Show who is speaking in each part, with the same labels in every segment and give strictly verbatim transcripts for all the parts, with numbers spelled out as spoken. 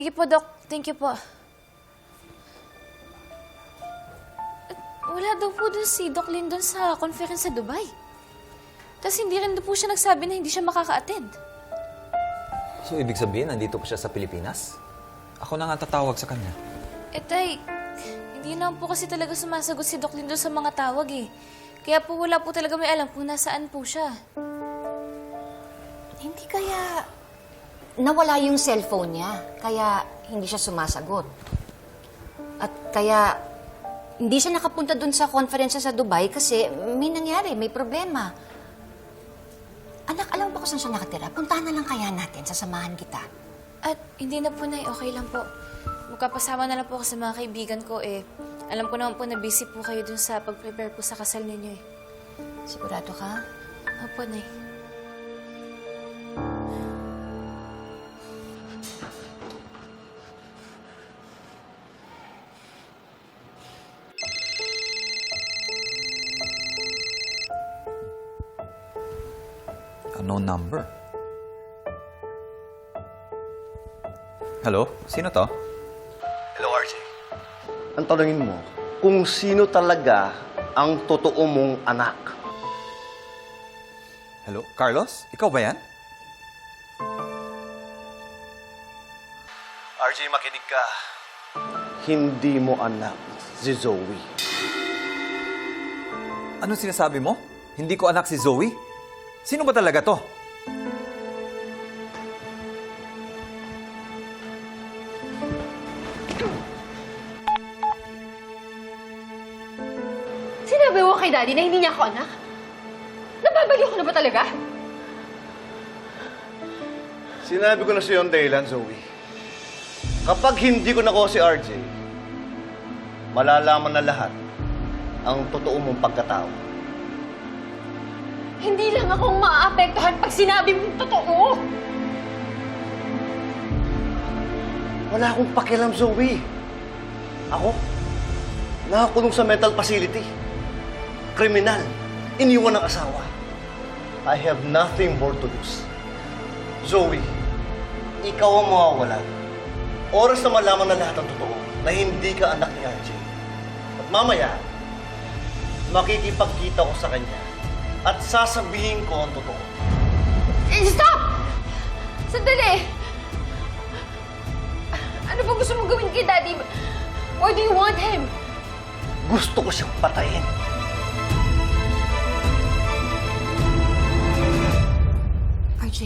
Speaker 1: Sige po, Doc. Thank you po. At wala daw po dun si Doc Lin dun sa conference sa Dubai. Tapos hindi rin daw po siya nagsabi na hindi siya makaka-attend.
Speaker 2: So, ibig sabihin, nandito po siya sa Pilipinas? Ako na nga tatawag sa kanya.
Speaker 1: Eh, tay, hindi naman po kasi talaga sumasagot si Doc Lin dun sa mga tawag eh. Kaya po wala po talaga may alam kung nasaan po siya.
Speaker 3: Hindi kaya nawala yung cellphone niya, kaya hindi siya sumasagot. At kaya hindi siya nakapunta dun sa conference sa Dubai kasi may nangyari, may problema. Anak, alam mo ba kung saan siya nakatira? Puntahan na lang kaya natin, sasamahan kita.
Speaker 1: At hindi na po, Nay. Okay lang po. Magkapasama na lang po ako sa mga kaibigan ko eh. Alam ko naman po na busy po kayo dun sa pag-prepare po sa kasal ninyo eh.
Speaker 3: Sigurado ka?
Speaker 1: Opo, Nay.
Speaker 2: Unknown number. Hello? Sino to?
Speaker 4: Hello, R J. Ang tanongin mo, kung sino talaga ang totoo mong anak?
Speaker 2: Hello? Carlos? Ikaw ba yan?
Speaker 4: R J, makinig ka. Hindi mo anak si Zoe.
Speaker 2: Anong sinasabi mo? Hindi ko anak si Zoe? Sino ba talaga to?
Speaker 5: Sinabi mo kay Daddy na hindi niya ako anak? Nababaliw ko na ba talaga?
Speaker 4: Sinabi ko na sa iyo ang dahilan, Zoe. Kapag hindi ko nakuha si R J, malalaman na lahat ang totoo mong pagkatao.
Speaker 5: Hindi lang akong maaapektuhan pag sinabi mong totoo.
Speaker 4: Wala akong pakialam, Zoe. Ako, nakakulong sa mental facility. Kriminal. Iniwan ng asawa. I have nothing more to lose. Zoe, ikaw ang mawawalan. Oras na malaman na lahat ng totoo na hindi ka anak ni R J. At mamaya, makikipagkita ko sa kanya at sasabihin ko ang totoo.
Speaker 5: Eh, stop! Sandali! Ano ba gusto mong gawin kay Daddy? Why do you want him?
Speaker 4: Gusto ko siyang patayin.
Speaker 3: R J,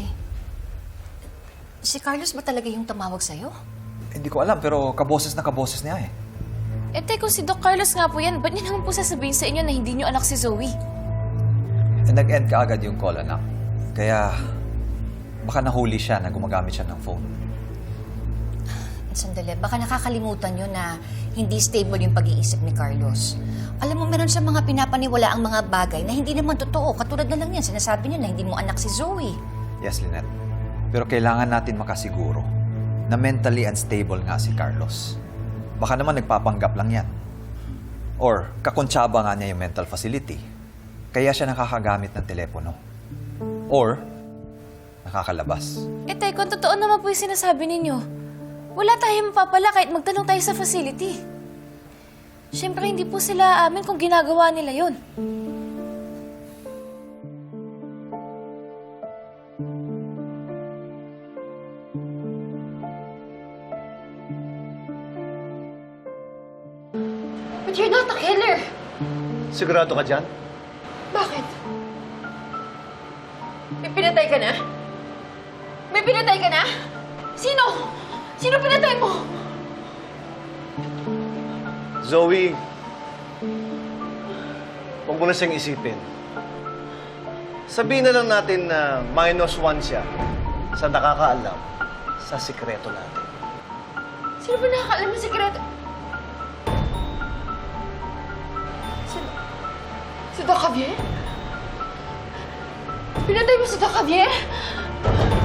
Speaker 3: si Carlos ba talaga yung tumawag sa'yo?
Speaker 2: Hindi ko alam, pero kaboses na kaboses niya eh.
Speaker 1: Eh, tay, kung si Doc Carlos nga po yan, ba't niya naman po sasabihin sa inyo na hindi niyo anak si Zoe?
Speaker 2: Eh, nag-end ka agad yung call, anak. Kaya, baka nahuli siya na gumagamit siya ng phone.
Speaker 3: Sandali, baka nakakalimutan nyo na hindi stable yung pag-iisip ni Carlos. Alam mo, meron sa mga pinapaniwala ang mga bagay na hindi naman totoo. Katulad na lang yan, sinasabi niya na hindi mo anak si Zoe.
Speaker 2: Yes, Lynette. Pero kailangan natin makasiguro na mentally unstable nga si Carlos. Baka naman nagpapanggap lang yan. Or, kakontsaba nga niya yung mental facility. Kaya siya nakakagamit ng telepono. Or, nakakalabas.
Speaker 1: Eh, tay, kung totoo naman po yung sinasabi ninyo, wala tayong mapapala kahit magtanong tayo sa facility. Siyempre, hindi po sila amin kung ginagawa nila yon.
Speaker 5: But you're not a killer.
Speaker 4: Sigurado ka dyan?
Speaker 5: Bakit? May pinatay ka na? May pinatay ka na? Sino? Sino pinatay mo?
Speaker 4: Zoe, huwag mo na siyang isipin. Sabihin na lang natin na minus one siya sa nakakaalam sa sikreto natin.
Speaker 5: Sino ba nakakaalam ng sikreto? Si... Si Doc Javier? Pinatay mo si Doc Javier?